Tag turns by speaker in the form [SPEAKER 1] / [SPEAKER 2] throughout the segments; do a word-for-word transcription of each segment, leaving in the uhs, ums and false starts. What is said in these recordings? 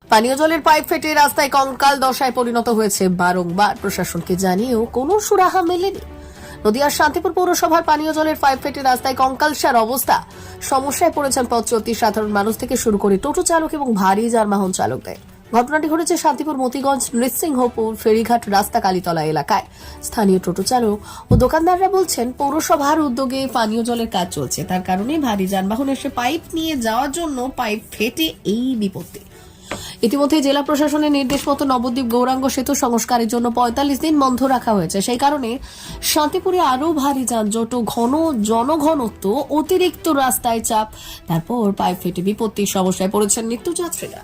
[SPEAKER 1] পানীয় জলের পাইপ ফেটে রাস্তায় কঙ্কাল দশায় পরিণত হয়েছে। বারংবার প্রশাসনকে জানিয়েও কোনো সুরাহা মেলেনি। নদিয়ার শান্তিপুর পৌরসভার পানীয় জলের পাইপ ফেটে রাস্তায় কঙ্কালসার অবস্থা। সমস্যায় পড়েছেন পথ চলতি সাধারণ মানুষ থেকে শুরু করে টোটো চালক এবং ভারী যানবাহন চালকদের। ঘটনাটি ঘটেছে শান্তিপুর মতিগঞ্জ নৃসিংহপুর ফেরিঘাট রাস্তা কালীতলা এলাকায়। স্থানীয় টোটো চালক ও দোকানদাররা বলছেন, পৌরসভার উদ্যোগে পানীয় জলের কাজ চলছে, তার কারণে ভারী যানবাহন এসে পাইপ নিয়ে যাওয়ার জন্য পাইপ ফেটে এই বিপত্তি। ইতিমধ্যে জেলা প্রশাসনের নির্দেশ মতো নবদ্বীপ গৌরাঙ্গ সেতু সংস্কারের জন্য পঁয়তাল্লিশ দিন বন্ধ রাখা হয়েছে। সেই কারণে শান্তিপুরে আরও ভারী যানজট ও ঘন জনঘনত্ব, অতিরিক্ত রাস্তায় চাপ, তারপর পাইপ ফেটে বিপত্তির সমস্যায় পড়েছেন নিত্যযাত্রীরা।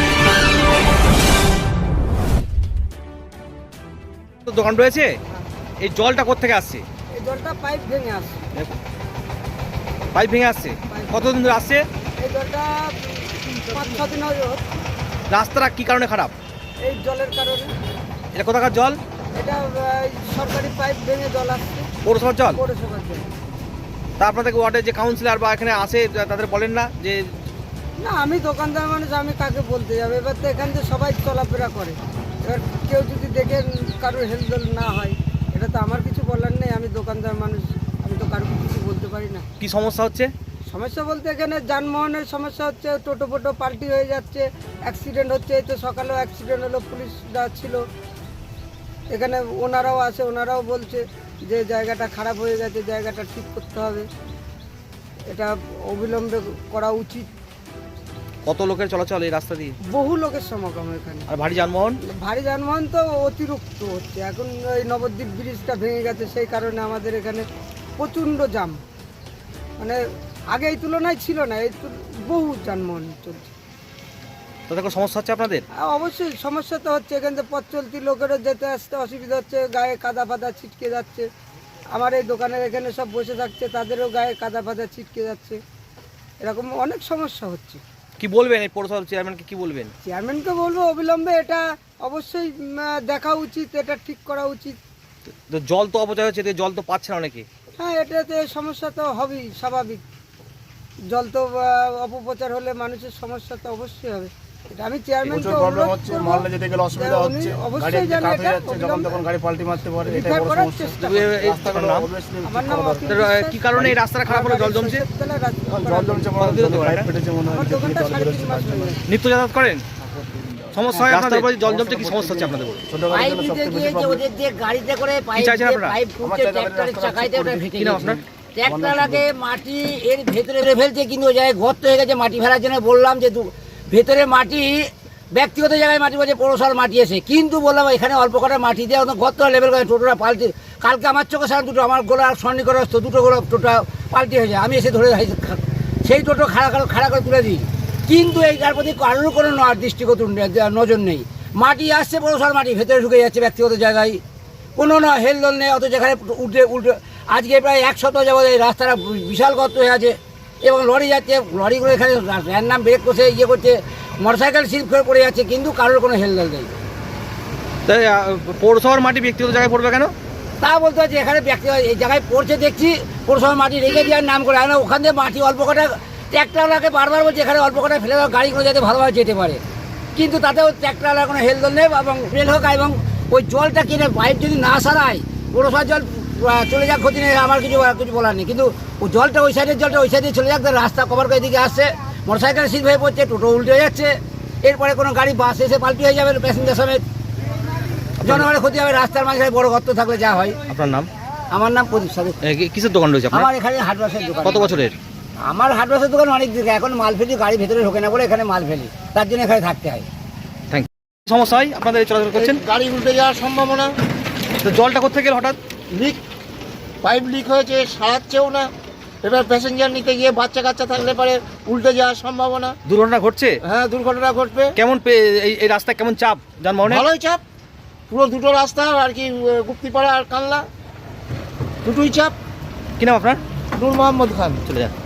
[SPEAKER 2] দোকান রয়েছে, এই জলটা কোত্থেকে আসছে?
[SPEAKER 3] এই জলটা পাইপ ভেঙে আসছে।
[SPEAKER 2] পাইপ ভেঙে আসছে কতদিন ধরে আসছে?
[SPEAKER 3] এই জলটা পাঁচ ছ দিন হয়ে গেল।
[SPEAKER 2] রাস্তাটা কি কারণে খারাপ?
[SPEAKER 3] এই জলের কারণে।
[SPEAKER 2] এটা কোথাকার জল?
[SPEAKER 3] এটা আহ, সরকারি পাইপ ভেঙে জল আসছে,
[SPEAKER 2] পৌরসভার জল?
[SPEAKER 3] পৌরসভার জল।
[SPEAKER 2] তা আপনাদের ওয়ার্ডের যে কাউন্সিলর বা এখানে আসে তাদের বলেন না যে?
[SPEAKER 3] না, আমি দোকানদার মানুষ, আমি কাকে বলতে যাবো? এবার তো এখান থেকে সবাই চলাফেরা করে, এবার কেউ যদি দেখে কারোর হেলদোল না হয়, এটা তো আমার কিছু বলার নেই। আমি দোকানদার মানুষ, আমি তো কারোর কিছু বলতে পারি না।
[SPEAKER 2] কি সমস্যা হচ্ছে?
[SPEAKER 3] সমস্যা বলতে এখানে যানবাহনের সমস্যা হচ্ছে, টোটো ফোটো পাল্টি হয়ে যাচ্ছে, অ্যাক্সিডেন্ট হচ্ছে। এই তো সকালেও অ্যাক্সিডেন্ট হলো, পুলিশরা ছিল এখানে, ওনারাও আছে, ওনারাও বলছে যে জায়গাটা খারাপ হয়ে গেছে, জায়গাটা ঠিক করতে হবে, এটা অবিলম্বে করা উচিত।
[SPEAKER 2] কত লোকের চলাচল এই রাস্তা দিয়ে?
[SPEAKER 3] বহু লোকের সমাগম এখানে।
[SPEAKER 2] আর ভারী যানবাহন?
[SPEAKER 3] ভারী যানবাহন তো অতিরিক্ত হচ্ছে। এখন ওই নবদ্বীপ ব্রিজটা ভেঙে গেছে, সেই কারণে আমাদের এখানে প্রচণ্ড জাম, মানে আগে এই তুলনায় ছিল না, এই তুল- বহু যানবাহন চলছে।
[SPEAKER 2] তাতে কোনো সমস্যা হচ্ছে আপনাদের?
[SPEAKER 3] আর অবশ্যই সমস্যা তো হচ্ছে, এখান থেকে পথ চলতি লোকেরও যেতে আসতে অসুবিধা হচ্ছে, গায়ে কাদা ফাদা ছিটকে যাচ্ছে। আমার এই দোকানের এখানে সব বসে থাকছে, তাদেরও গায়ে কাদা ফাদা ছিটকে যাচ্ছে, এরকম অনেক সমস্যা হচ্ছে।
[SPEAKER 2] কি বলবেন এই পৌরসভার চেয়ারম্যানকে, কি বলবেন?
[SPEAKER 3] চেয়ারম্যানকে বলবো অবিলম্বে এটা অবশ্যই উম, দেখা উচিত, এটা ঠিক করা উচিত।
[SPEAKER 2] তো জল তো অপচয় হচ্ছে, এতে জল তো পাচ্ছে না অনেকে।
[SPEAKER 3] হ্যাঁ, এটাতে সমস্যা তো হবেই, স্বাভাবিক। জল তো আহ, অপপ্রচার হলে মানুষের সমস্যা তো অবশ্যই হবে। এটা আমি চেয়ারম্যানকে
[SPEAKER 4] প্রচুর প্রবলেম
[SPEAKER 3] অনুরোধ
[SPEAKER 4] হচ্ছে,
[SPEAKER 3] করবো
[SPEAKER 4] মহল্লা যেতে গেলে অসুবিধা
[SPEAKER 3] যে উনি
[SPEAKER 4] হচ্ছে, গাড়ি
[SPEAKER 3] অবশ্যই
[SPEAKER 4] একদিকে
[SPEAKER 3] যেন
[SPEAKER 4] কাত হয়ে
[SPEAKER 3] এটা
[SPEAKER 4] যাচ্ছে, যখন
[SPEAKER 3] অবিলম্বে
[SPEAKER 4] তখন গাড়ি পাল্টি মারতে পারে, এটাই
[SPEAKER 3] রিপেয়ার
[SPEAKER 4] বড়
[SPEAKER 3] করার
[SPEAKER 4] সমস্যা।
[SPEAKER 3] চেষ্টা
[SPEAKER 2] তবে এই-
[SPEAKER 4] রাস্তাগুলো
[SPEAKER 2] নাম?
[SPEAKER 4] obviously
[SPEAKER 3] আমার
[SPEAKER 4] ঠিক
[SPEAKER 3] নাম
[SPEAKER 4] করা
[SPEAKER 3] অখিল
[SPEAKER 4] দরকার।
[SPEAKER 2] তো, আহ, কি কারণে এই রাস্তাটা খারাপ হলো? জল জমছে?
[SPEAKER 4] এখন জল জমছে মনে হয়,
[SPEAKER 2] কতদিন হতে পারে
[SPEAKER 4] পাইপ
[SPEAKER 2] এটা?
[SPEAKER 4] ফেটেছে মনে হয়,
[SPEAKER 3] আমার
[SPEAKER 4] নিচে থেকে
[SPEAKER 3] দোকানটা
[SPEAKER 4] জল
[SPEAKER 3] সাড়ে
[SPEAKER 4] বেরোচ্ছে
[SPEAKER 3] তিন মাস
[SPEAKER 4] তার জন্য।
[SPEAKER 3] হয়ে গেছে।
[SPEAKER 2] নিত্য যাতায়াত করেন? সমস্যা হয় আপনাদের? জল জমছে, কি সমস্যা হচ্ছে আপনাদের?
[SPEAKER 4] ছোট গাড়ির
[SPEAKER 5] পাইপ
[SPEAKER 4] জন্য
[SPEAKER 5] দিতে
[SPEAKER 4] সবথেকে
[SPEAKER 5] গিয়ে
[SPEAKER 4] বেশি
[SPEAKER 5] যে
[SPEAKER 4] problem।
[SPEAKER 5] ওদের দিয়ে গাড়িতে করে পাইপ
[SPEAKER 2] চাইছেন
[SPEAKER 5] দিয়ে
[SPEAKER 2] আপনারা?
[SPEAKER 5] পাইপ
[SPEAKER 4] আমার
[SPEAKER 5] ঢুকছে
[SPEAKER 4] চাই তাদের
[SPEAKER 5] ট্র্যাক্টরের
[SPEAKER 4] রাস্তাটা
[SPEAKER 5] চাকাইতে
[SPEAKER 4] ঠিক
[SPEAKER 5] ওটা
[SPEAKER 4] করে
[SPEAKER 5] ফেটে
[SPEAKER 2] কি নাম
[SPEAKER 5] গেছে।
[SPEAKER 2] আপনার?
[SPEAKER 5] ট্র্যাক্টরটাকে মাটি এর ভেতরে রে ফেলছে, কিন্তু ওই জায়গায় গর্ত হয়ে গেছে। মাটি ফেলার জন্য বললাম যে দু- ভেতরে মাটি, ব্যক্তিগত জায়গায় মাটি বলছে পৌরসভার মাটি এসে, কিন্তু বললাম এখানে অল্প কটা মাটি দিয়ে ওদের গর্ত লেভেল করে টোটোটা পাল্টে, কালকে আমার চোখে সারা দুটো আমার গোলা সন্নি করে আসতো, দুটো গোলা টোটো পাল্টি হয়ে যায়। আমি এসে ধরে সেই টোটো খাড়া করে খাড়া করে তুলে দিই, কিন্তু এইটার প্রতি কারোর কোনো ন- দৃষ্টিগত ন- নজর নেই। মাটি আসছে পৌরসভার মাটি, ভেতরে ঢুকে যাচ্ছে ব্যক্তিগত জায়গায়, কোনো না হেলদোল নেই। অত যেখানে উল্টে উল্টে আজকে প্রায় এক সপ্তাহ যাবত এই রাস্তাটা বিশাল গর্ত হয়ে আছে, এবং লরি যাচ্ছে, লরিগুলো এখানে র্যান্ডাম ব্রেক করছে, ইয়ে করছে, মোটরসাইকেল স্লিপ করে পড়ে যাচ্ছে, কিন্তু কারোর কোনো হেলদোল নেই।
[SPEAKER 2] তাই আহ, পৌরসভার মাটি ব্যক্তিগত জায়গায় পড়বে কেন?
[SPEAKER 5] তা বলতে হচ্ছে এখানে ব্যক্তি এই জায়গায় পড়ছে, দেখছি পৌরসভার মাটি রেখে দেওয়ার নাম করে, আর না ওখান থেকে মাটি অল্প কটা ট্র্যাক্টরওয়ালাকে বারবার বলছে এখানে অল্প কটা ফেলে দেওয়া, গাড়িগুলো যাতে ভালোভাবে যেতে পারে, কিন্তু তাতেও ট্র্যাক্টরওয়ালার কোনো হেলদোল নেই। এবং ফেল হোক, এবং ওই জলটা কিনে পাইপ যদি না সারায়, পৌরসভার জল আহ, চলে যাক, ক্ষতি নেই, আমার কিছু কিছু বলার নেই, কিন্তু ওই জলটা ওই সাইডের জলটা ওই সাইডে চলে যাক, তার রাস্তা কভার করে এদিকে আসছে, মোটরসাইকেল সিট হয়ে পড়ছে, টোটো উল্টে হয়ে যাচ্ছে, এরপরে কোনো গাড়ি বাস এসে পাল্টি হয়ে যাবে প্যাসেঞ্জার সমেত, জনগণের ক্ষতি হবে। রাস্তার মাঝখানে বড় গর্ত থাকলে যা হয়।
[SPEAKER 2] আপনার নাম?
[SPEAKER 5] আমার নাম প্রদীপ সাধু।
[SPEAKER 2] এ, কি- কিসের দোকান রয়েছে আপনার?
[SPEAKER 5] আমার এখানে হাটবাসের দোকান।
[SPEAKER 2] কত বছরের?
[SPEAKER 5] আমার হাটবাসের দোকান অনেক দিকে, এখন মাল ফেলি, গাড়ি ভেতরে ঢোকে না বলে এখানে মাল ফেলি, তার জন্য এখানে থাকতে হয়।
[SPEAKER 2] Thank you. সমস্যা হয় আপনাদের এই চলাচল করছেন?
[SPEAKER 4] গাড়ি উল্টে যাওয়ার সম্ভাবনা,
[SPEAKER 2] তো জলটা কোথেকে এলো হঠাৎ?
[SPEAKER 4] লিক, পাইপ লিক হয়েছে, সারাচ্ছেও না। এবার প্যাসেঞ্জার নিতে গিয়ে বাচ্চা কাচ্চা থাকলে পরে উল্টে যাওয়ার সম্ভাবনা।
[SPEAKER 2] দুর্ঘটনা ঘটছে?
[SPEAKER 4] হ্যাঁ, দুর্ঘটনা ঘটবে।
[SPEAKER 2] কেমন পে- এই এই রাস্তায় কেমন চাপ যানবাহনের?
[SPEAKER 4] ভালোই চাপ, পুরো দুটো রাস্তা আর কি, গুপ্তিপাড়া আর কানলা দুটোই চাপ।
[SPEAKER 2] কি নাম আপনার?
[SPEAKER 4] নূর মোহাম্মদ খান।
[SPEAKER 2] চলে যান।